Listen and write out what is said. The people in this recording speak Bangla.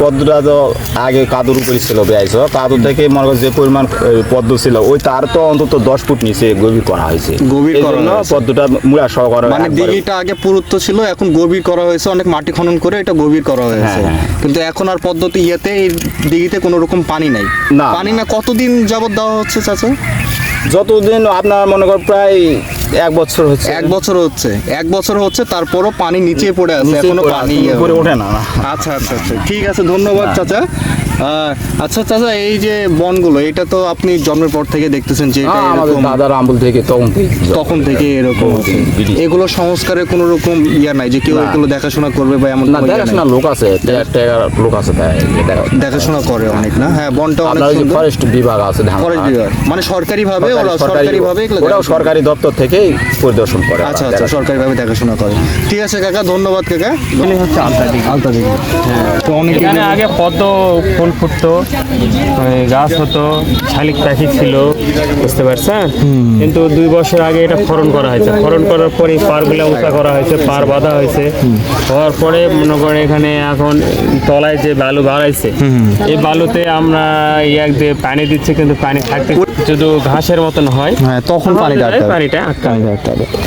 পদ্মটা তো আগে কাদুর উপরে ছিল বেয়াইছো, কাদুর থেকে মনে করো যে পরিমাণ পদ্ম ছিল ওই তার তো অন্তত 10 ফুট নিচে গভীর করা হয়েছে। গভীর করা এজন্য হয়েছে। পদ্মটা মুড়া সহকারে মানে দিঘিটা আগে পুরুত্ব ছিল, এখন গভীর করা হয়েছে, অনেক মাটি খনন করে এটা গভীর করা হয়েছে। হ্যাঁ, হ্যাঁ। কিন্তু এখন আর পদ্ধতি ইয়েতে এই দিঘিতে কোনো রকম পানি নাই। না। পানি না কতদিন যাবত দেওয়া হচ্ছে চাচা? যতদিন আপনার মনে কর প্রায় 1 বছর হচ্ছে। 1 বছর হচ্ছে, 1 বছর হচ্ছে, তারপরও পানি নিচে পড়ে আছে, নিচে এখনো পড়ে পানি আছে, উপরে ওঠে না। আচ্ছা আচ্ছা আচ্ছা, ঠিক আছে, ধন্যবাদ চাচা। আচ্ছা চাচা, এই যে বনগুলো, এটা তো আপনি জন্মের পর থেকে দেখতেছেন যে এটা আমাদের এরকম, দাদার আমল থেকে তখন থেকে এরকম আছে। বিধি। এগুলো সংস্কারের কোনো রকম ইয়া নাই যে কেউ না। এগুলো দেখাশোনা করবে বা এমন না, কোনো ইয়া নাই? দেখাশোনা লোক আছে, লোক আছে তাই দেখাশোনা করে অনেক না? হ্যাঁ, বনটা অনেক আপনার যে সুন্দর। ফরেস্ট বিভাগ আছে ফরেস্ট বিভাগ মানে সরকারি ভাবে, ওরা সরকারি ভাবে এগুলো ওরাও দেখাশোনা করে। সরকারি দপ্তর থেকেই পরিদর্শন করে। আচ্ছা আচ্ছা, সরকারি ভাবে দেখাশোনা করে। ঠিক আছে কাকা, ধন্যবাদ কাকা। এখানে হচ্ছে আলতাদিঘি। আলতাদিঘি, হ্যাঁ, তো অনেকে এখানে আগে পদ্ম ফুল ফুটতো, গাছ হতো, শালিক পাখি ছিল, বুঝতে পারছেন? কিন্তু 2 বছর আগে এটা খনন করা হয়েছে। খনন করার পরে পারগুলো উঁচা করা হয়েছে, পার বাঁধা হয়েছে। হওয়ার পরে মনে করেন এখানে এখন তলায় যে বালু বাড়াইছে, এই বালুতে আমরা এক দিয়ে পানি দিচ্ছি, কিন্তু পানি থাকতে শুধু ঘাসের মতন হয়, হ্যাঁ, তখন পানিটা আটকাবে। পানিটা আটকাবে।